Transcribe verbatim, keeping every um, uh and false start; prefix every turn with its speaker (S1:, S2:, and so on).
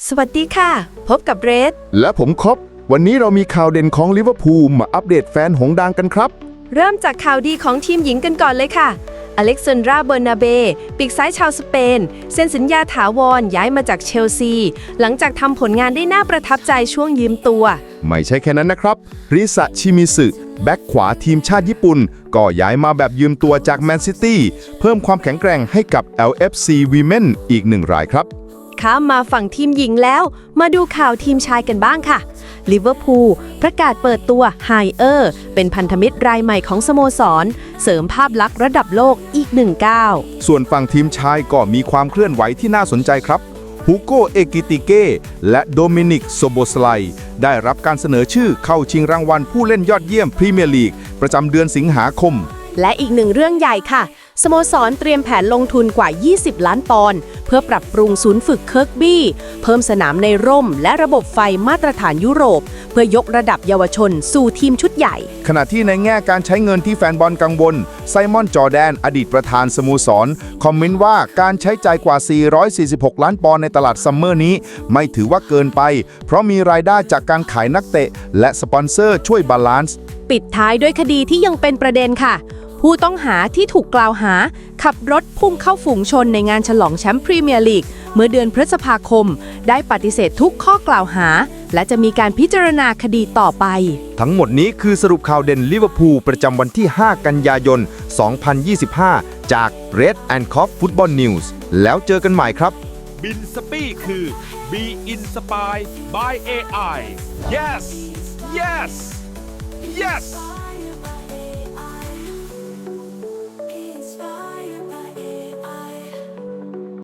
S1: สวัสดีค่ะ พบกับเรด
S2: และผมครบวันนี้เรามีข่าวเด่นของลิเวอร์พูลมาอัปเดตแฟนหงส์ดังกันครับ
S1: เริ่มจากข่าวดีของทีมหญิงกันก่อนเลยค่ะ อเล็กซานดรา เบอร์นาเบ ปีกซ้ายชาวสเปน เซ็นสัญญาถาวรย้ายมาจากเชลซี หลังจากทำผลงานได้น่าประทับใจช่วงยืมตัว
S2: ไม่ใช่แค่นั้นนะครับ ริซะชิมิสึแบ็กขวาทีมชาติญี่ปุ่น ก็ย้ายมาแบบยืมตัวจากแมนซิตี้เพิ่มความแข็งแกร่งให้กับ แอล เอฟ ซี Women อีกหนึ่งรายครับ
S1: ข้ามมาฝั่งทีมหญิงแล้ว มาดูข่าวทีมชายกันบ้างค่ะ ลิเวอร์พูลประกาศเปิดตัวไฮเออร์เป็นพันธมิตรรายใหม่ของสโมสร เสริมภาพลักษณ์ระดับโลกอีกหนึ่งก้าว
S2: ส่วนฝั่งทีมชายก็มีความเคลื่อนไหวที่น่าสนใจครับฮูโก เอกิติเกและโดมินิก โซโบสไลได้รับการเสนอชื่อเข้าชิงรางวัลผู้เล่นยอดเยี่ยมพรีเมียร์ลีกประจำเดือนสิงหาคม
S1: และอีกหนึ่งเรื่องใหญ่ค่ะ สโมสรเตรียมแผนลงทุนกว่า ยี่สิบ ล้านปอนด์เพื่อปรับปรุงศูนย์ฝึกเคิร์กบี้เพิ่มสนามในร่มและระบบไฟมาตรฐานยุโรป เพื่อยกระดับเยาวชนสู่ทีมชุดใหญ่
S2: ขณะที่ในแง่การใช้เงินที่แฟนบอลกังวลไซมอน จอร์แดน อดีตประธานสโมสร คอมเมนต์ว่าการใช้จ่ายกว่า สี่ร้อยสี่สิบหก ล้านปอนด์ในตลาดซัมเมอร์นี้ ไม่ถือว่าเกินไป เพราะมีรายได้จากการขายนักเตะ และสปอนเซอร์ช่วยบาลานซ์
S1: ปิดท้ายด้วยคดีที่ยังเป็นประเด็นค่ะ ผู้ต้องหาที่ถูกกล่าวหา ขับรถพุ่งเข้าฝูงชนในงานฉลองแชมป์พรีเมียร์ลีกเมื่อเดือนพฤษภาคม ได้ปฏิเสธทุกข้อกล่าวหา และจะมีการพิจารณาคดีต่อไป
S2: ทั้งหมดนี้คือสรุปข่าวเด่นลิเวอร์พูลประจำวันที่ ห้า กันยายน สองพันยี่สิบห้า จาก Red and Cough Football News แล้วเจอกันใหม่ครับ
S3: บินสปี้คือ Be Inspired by เอ ไอ yes yes yes